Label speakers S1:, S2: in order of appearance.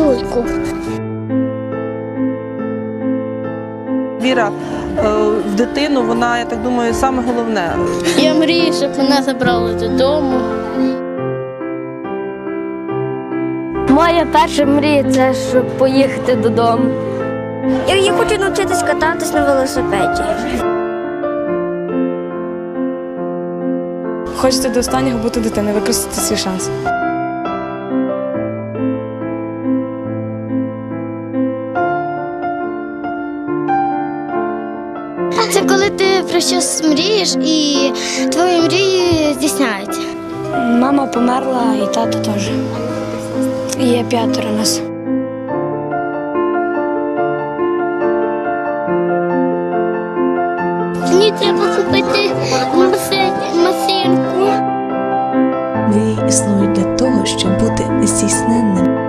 S1: люльку.
S2: Віра в дитину, вона, я так думаю, саме головне.
S1: Я мрію, щоб мене забрали додому.
S3: Моя перша мрія – це щоб поїхати додому.
S4: Я хочу навчитись кататись на велосипеді.
S5: Хочеться до останнього бути дитиною, використати свій шанс.
S1: Це коли ти про щось мрієш і твої мрії здійсняються.
S3: Мама померла і тато теж. Є 5 нас.
S1: Мені треба купити машинку.
S6: Мрії існують для того, щоб бути здійсненним.